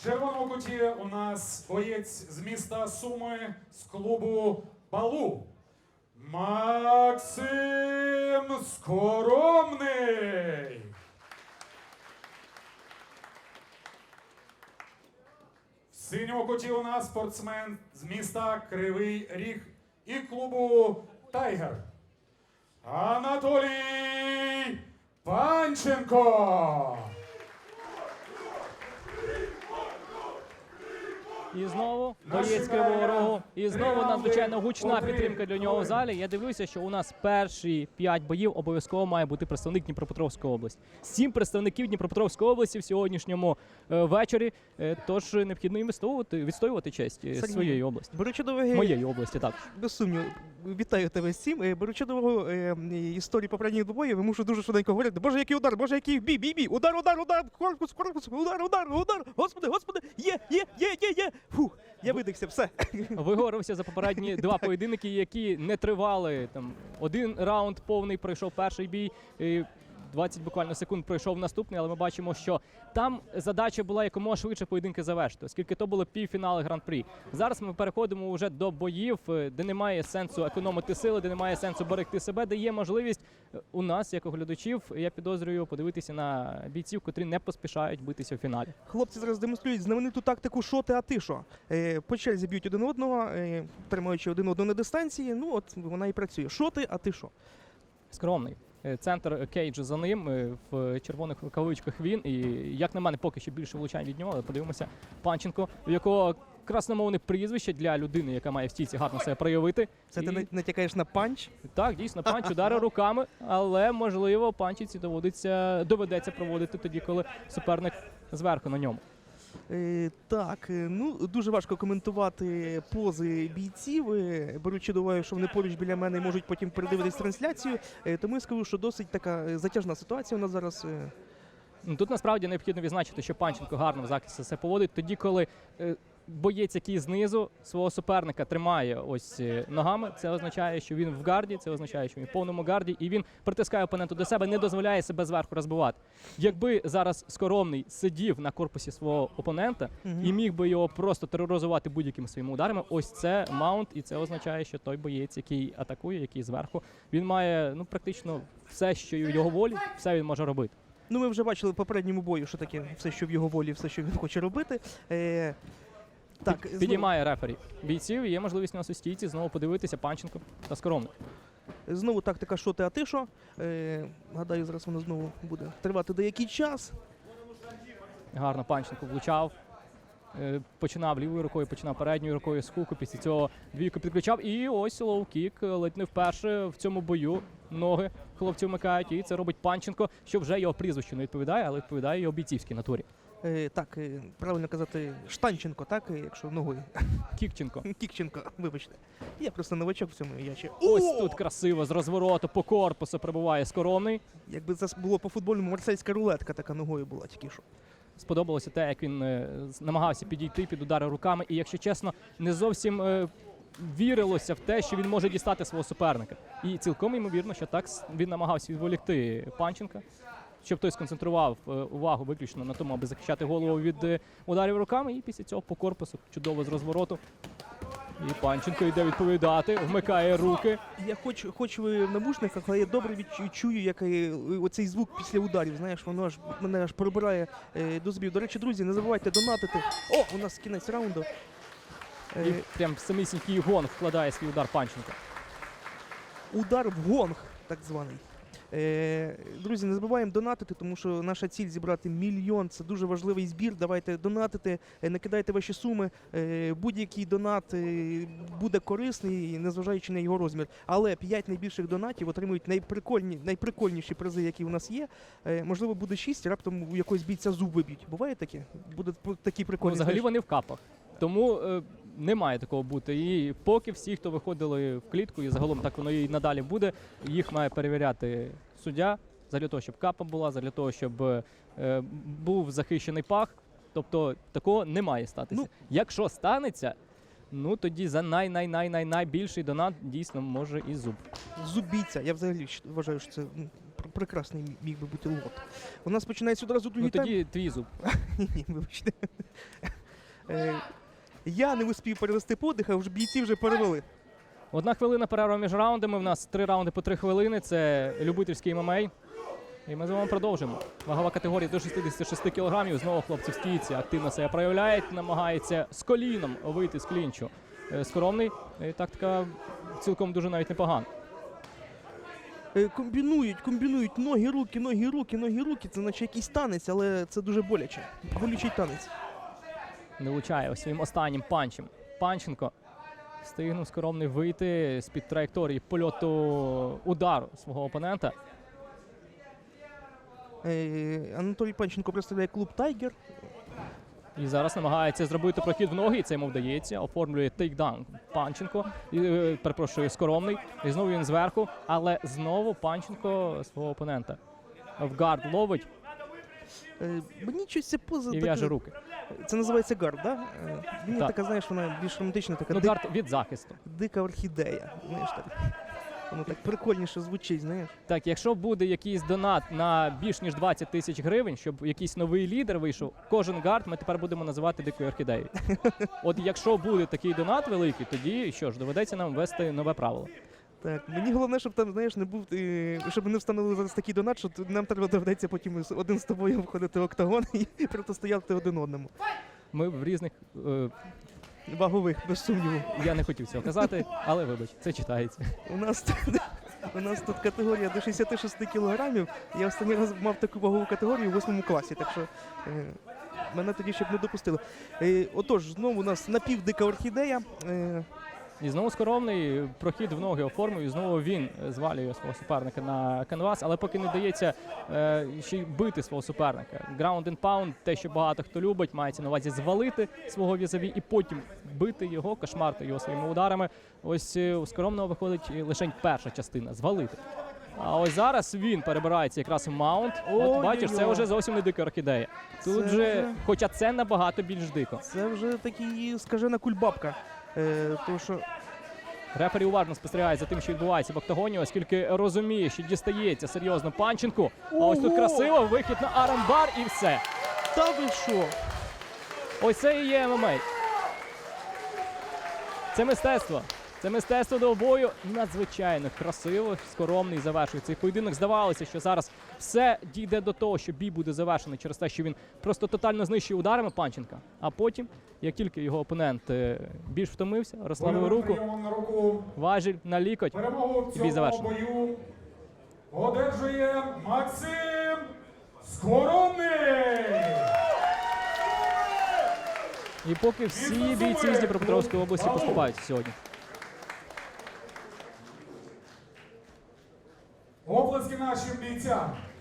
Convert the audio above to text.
В червоному куті у нас боєць з міста Суми з клубу Балу. Максим Скоромний. В синьому куті у нас спортсмен з міста Кривий Ріг і клубу Тайгер. Анатолій Панченко. І знову боєць Кривого Рогу. І знову надзвичайно гучна підтримка для нього в залі. Я дивлюся, що у нас перші 5 боїв обов'язково має бути представник Дніпропетровської області. 7 представників Дніпропетровської області в сьогоднішньому вечорі. Тож необхідно їм відстоювати честь своєї області. Беручи до уваги, Моєї області, так. без сумніву, вітаю тебе з цим. Беручи до уваги історії попередніх двобоїв, я мушу дуже швиденько говорити. Боже, який удар, боже, який бій, удар, корпус, удар, господи, є. Фух, я видихся, все. Виговорився за попередні 2 поєдинки, які не тривали. Там 1 раунд повний пройшов перший бій. 20 буквально секунд пройшов наступний, але ми бачимо, що там задача була якомога швидше поєдинки завершити, оскільки то було півфінали Гран-прі. Зараз ми переходимо вже до боїв, де немає сенсу економити сили, де немає сенсу берегти себе, де є можливість у нас, як у глядачів, я підозрюю, подивитися на бійців, котрі не поспішають битися в фіналі. Хлопці зараз демонструють знамениту тактику «Шо ти, а ти що?». По черзі б'ють один одного, тримаючи один одного на дистанції. Ну от вона і працює. «Шо ти, а ти що?». Скромний. Центр Кейджа за ним, в червоних рукавичках він. І, як на мене, поки що більше влучань від нього, але подивимося. Панченко, в якого красномовне прізвище для людини, яка має в стійці гарно себе проявити. Це ти натякаєш на панч? Так, дійсно, панч, удари руками, але, можливо, панчиці доведеться проводити тоді, коли суперник зверху на ньому. Так, ну дуже важко коментувати пози бійців, беручи до уваги, що вони поруч біля мене і можуть потім передивитись трансляцію, тому я скажу, що досить така затяжна ситуація у нас зараз. Тут насправді необхідно відзначити, що Панченко гарно в захисті себе поводить тоді, коли боєць, який знизу свого суперника тримає ось ногами, це означає, що він в гарді, це означає, що він в повному гарді, і він притискає опонента до себе, не дозволяє себе зверху розбивати. Якби зараз Скоромний сидів на корпусі свого опонента і міг би його просто тероризувати будь-якими своїми ударами, ось це маунт, і це означає, що той боєць, який атакує, який зверху, він має практично все, що в його волі, все він може робити. Ну, ми вже бачили в попередньому бою, що таке все, що в його волі, все, що він хоче робити. Так, підіймає рефері бійців, і є можливість на стійці знову подивитися Панченко та Скоромний. Знову тактика «Шо ти, а ти що?». Гадаю, зараз вона знову буде тривати деякий час. Гарно Панченко влучав. Починав лівою рукою, починав передньою рукою з хуку, після цього двійку підключав. І ось лоу-кік, ледь не вперше в цьому бою ноги хлопці вмикають. І це робить Панченко, що вже його прізвищу не відповідає, але відповідає його бійцівській натурі. Так, правильно казати Штанченко, так, якщо ногою. Кікченко. Кікченко, вибачте. Я просто новачок в цьому, я ще... Ось тут красиво, з розвороту по корпусу прибуває Скоромний. Якби це було по-футбольному, марсельська рулетка така ногою була тільки що. Сподобалося те, як він намагався підійти під удари руками. І, якщо чесно, не зовсім вірилося в те, що він може дістати свого суперника. І цілком ймовірно, що так він намагався відволікти Панченка, щоб той сконцентрував увагу виключно на тому, аби захищати голову від ударів руками. І після цього по корпусу чудово з розвороту. І Панченко йде відповідати, вмикає руки. Я хоч в навушниках, але я добре чую, як оцей звук після ударів, знаєш, воно мене аж пробирає до зубів. До речі, друзі, не забувайте донатити. О, у нас кінець раунду. І прям самісінький гонг вкладає свій удар Панченко. Удар в гонг, так званий. Друзі, не забуваємо донатити, тому що наша ціль зібрати 1 мільйон. Це дуже важливий збір. Давайте донатити, накидайте ваші суми. Будь-який донат буде корисний, незважаючи на його розмір. Але 5 найбільших донатів отримують найприкольніші призи, які у нас є. Можливо, буде 6, раптом у якогось бійця зуб виб'ють. Буває таке? Буде такі прикольні. Взагалі вони в капах. Тому не має такого бути. І поки всі, хто виходили в клітку, і загалом так воно і надалі буде, їх має перевіряти суддя, для того, щоб капа була, для того, щоб був захищений пах. Тобто такого не має статися. Ну, якщо станеться, ну тоді за найбільший донат дійсно може і зуб. Зуб бійця. Я взагалі вважаю, що це прекрасний міг би бути лот. У нас починається одразу другий тайм. Ну тоді твій зуб. Ні, вибачте. Я не успів перевести подих, а вже бійці вже перевели. 1 хвилина перерва між раундами. У нас 3 раунди по 3 хвилини. Це любительський ММА. І ми з вами продовжимо. Вагова категорія до 66 кг. Знову хлопці в стійці активно себе проявляють. Намагається з коліном вийти з клінчу. Скоромний. Тактика цілком дуже навіть непогана. Комбінують ноги, руки, ноги, руки, ноги, руки. Це наче якийсь танець, але це дуже боляче. Болючий танець. Не влучає ось своїм останнім панчем. Панченко встигнув Скоромний вийти з-під траєкторії польоту удару свого опонента. Анатолій Панченко представляє клуб «Тайгер». І зараз намагається зробити прохід в ноги, і це йому вдається. Оформлює тейкдаун Панченко. Перепрошую, Скоромний. І знову він зверху, але знову Панченко свого опонента в гард ловить Мені щось ця поза і така- в'яже руки. Це називається гард, да? Мені Так. така, знаєш, вона більш романтична, така Ну, гард від захисту. дика орхідея. Знаєш, так. Воно так прикольніше звучить, знаєш. Так, якщо буде якийсь донат на більш ніж 20 тисяч гривень, щоб якийсь новий лідер вийшов, кожен гард ми тепер будемо називати дикою орхідеєю. От якщо буде такий донат великий, тоді що ж, доведеться нам ввести нове правило. Так, мені головне, щоб там, знаєш, не був, щоб не встановили зараз такий донат, що нам треба доведеться потім один з тобою входити в октагон і протистояти один одному. Ми в різних. Вагових, без сумніву. Я не хотів цього казати, але вибач, це читається. У нас тут категорія до 66 кілограмів. Я останній раз мав таку вагову категорію у 8 класі, так що мене тоді ще б не допустили. Отож, знову у нас напівдика орхідея. І знову Скоромний прохід в ноги оформив, і знову він звалює свого суперника на канвас, але поки не дається ще й бити свого суперника. Ground and pound, те, що багато хто любить, мається на увазі звалити свого візаві і потім бити його, кошмарити його своїми ударами. Ось у Скоромного виходить лише перша частина – звалити. А ось зараз він перебирається якраз в маунт. От бачиш, це вже зовсім не дика орхідея. Тут Це же, вже- хоча це набагато більш дико. Це вже такий скажена кульбабка. Тому що Рефері уважно спостерігає за тим, що відбувається в октагоні, оскільки розуміє, що дістається серйозно Панченку. А ось тут Ого! красиво, вихід на арамбар і все. та ви що? Ось це і є ММА. Це мистецтво. Це мистецтво двобою надзвичайно красиво. Скоромний завершує цей поєдинок. Здавалося, що зараз все дійде до того, що бій буде завершений через те, що він просто тотально знищує ударами Панченка. А потім, як тільки його опонент більш втомився, розслабив руку, Прийомом на руку. важіль на лікоть. Перемогу в Бій цьому завершено. бою одержує Максим Скоромний. І поки всі бійці з Дніпропетровської області поступають сьогодні. Оплески нашим бійцям.